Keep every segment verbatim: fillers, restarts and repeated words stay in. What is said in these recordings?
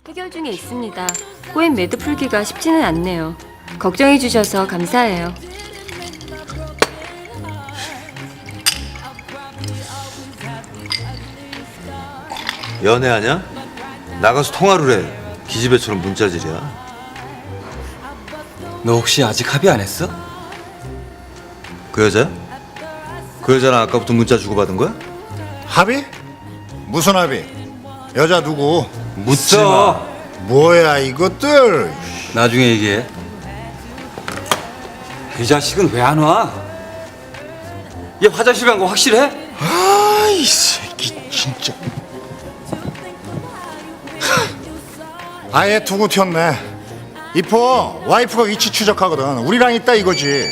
해결 중에 있습니다. 꼬인 매드 풀기가 쉽지는 않네요. 걱정해 주셔서 감사해요. 연애하냐? 나가서 통화를 해. 기집애처럼 문자질이야. 너 혹시 아직 합의 안 했어? 그 여자야? 그 여자랑 아까부터 문자 주고받은 거야? 합의? 무슨 합의? 여자 누구? 묻지 마. 뭐야 이것들? 나중에 얘기해. 이 자식은 왜 안 와? 얘 화장실 간 거 확실해? 아이 새끼 진짜. 아예 두고 튀었네. 이포 와이프가 위치 추적하거든. 우리랑 있다 이거지.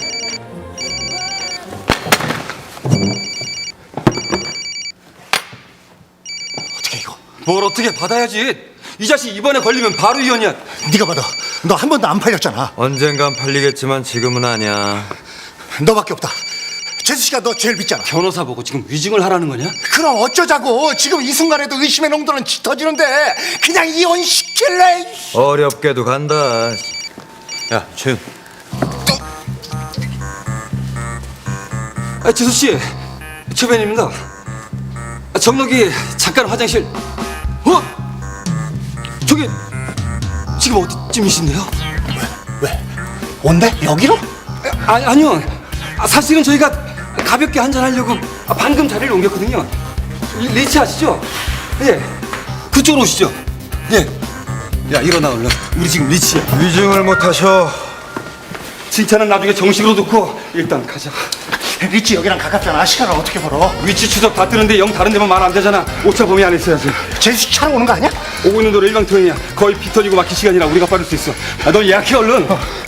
어떻게 이거? 뭘 어떻게 받아야지. 이 자식 이번에 걸리면 바로 이혼이야. 네가 받아. 너 한 번도 안 팔렸잖아. 언젠간 팔리겠지만 지금은 아니야. 너밖에 없다. 재수 씨가 너 제일 믿잖아. 변호사 보고 지금 위증을 하라는 거냐? 그럼 어쩌자고. 지금 이 순간에도 의심의 농도는 짙어지는데 그냥 이혼시킬래. 어렵게도 간다. 야, 최윤. 아, 지수 씨, 최변입니다. 아, 정록이 잠깐 화장실. 어? 저기 지금 어디쯤이신데요? 왜? 온대? 여기로? 아, 아니요. 아, 사실은 저희가 가볍게 한잔 하려고 아, 방금 자리를 옮겼거든요. 리- 리치 아시죠? 예. 그쪽으로 오시죠. 예. 야, 일어나 얼른. 우리 지금 리치야. 위증을 못 하셔. 칭찬은 나중에 정식으로 듣고 일단 가자. 리치 여기랑 가깝잖아. 시간을 어떻게 벌어? 위치 추적 다 뜨는데 영 다른 데만 말 안 되잖아. 오차 범위 안에 있어야지. 제수 씨 차로 오는 거 아니야? 오고 있는 도로 일방통행이야. 거의 피 터지고 막힐 시간이라 우리가 빠를 수 있어. 아, 넌 예약해 얼른.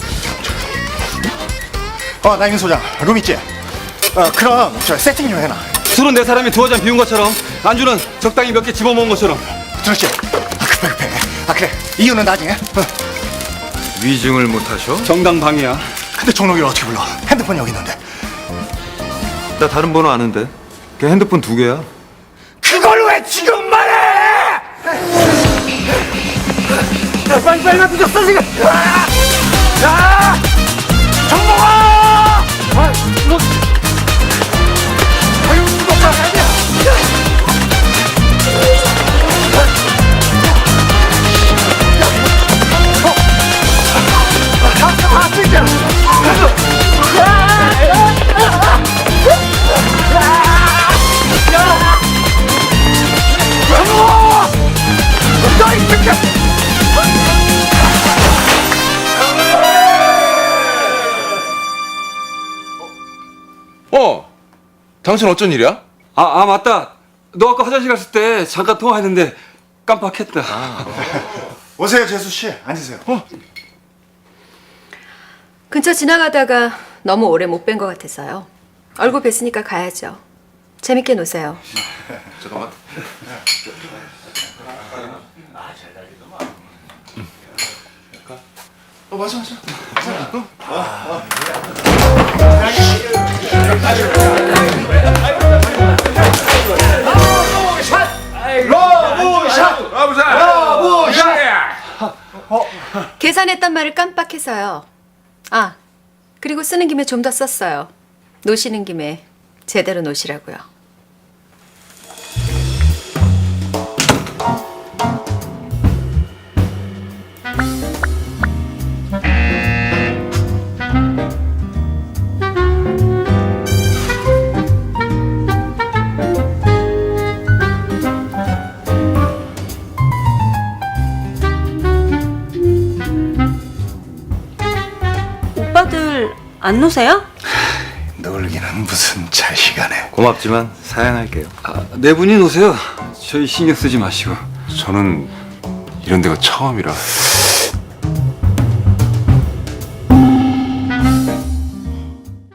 어, 나임 소장. 룸 있지? 어, 그럼 저 세팅 좀 해놔. 술은 네 사람이 두어 잔 비운 것처럼, 안주는 적당히 몇 개 집어먹은 것처럼. 들었지? 아, 급해 급해. 아 그래. 이유는 나중에. 어. 위증을 못 하셔? 정당방위야. 근데 종록이를 어떻게 불러? 핸드폰 여기 있는데. 나 다른 번호 아는데. 걔 핸드폰 두 개야. 그걸 왜 지금 말해? 야, 빨리 빨리 나 늦었어 지금. 아! 야! 정목아! 아, 뭐? 아유, 이거 봐, 아니야. 아, 아, 진짜. 어, 당신 어쩐 일이야? 아, 아 맞다. 너 아까 화장실 갔을 때 잠깐 통화했는데 깜빡했다. 오세요, 재수 씨. 앉으세요. 어. 근처 지나가다가 너무 오래 못 뵌 것 같아서요. 얼굴 뵀으니까 가야죠. 재밌게 노세요. 잠깐만. 어, 맞아, 맞아. 계산했단 말을 깜빡해서요. 아, 그리고 쓰는 김에 좀 더 썼어요. 노시는 김에 제대로 노시라고요. 오빠들 안 노세요? 놀기는 무슨 잘 시간에. 고맙지만 사양할게요. 아, 네 분이 노세요. 저희 신경 쓰지 마시고. 저는 이런 데가 처음이라.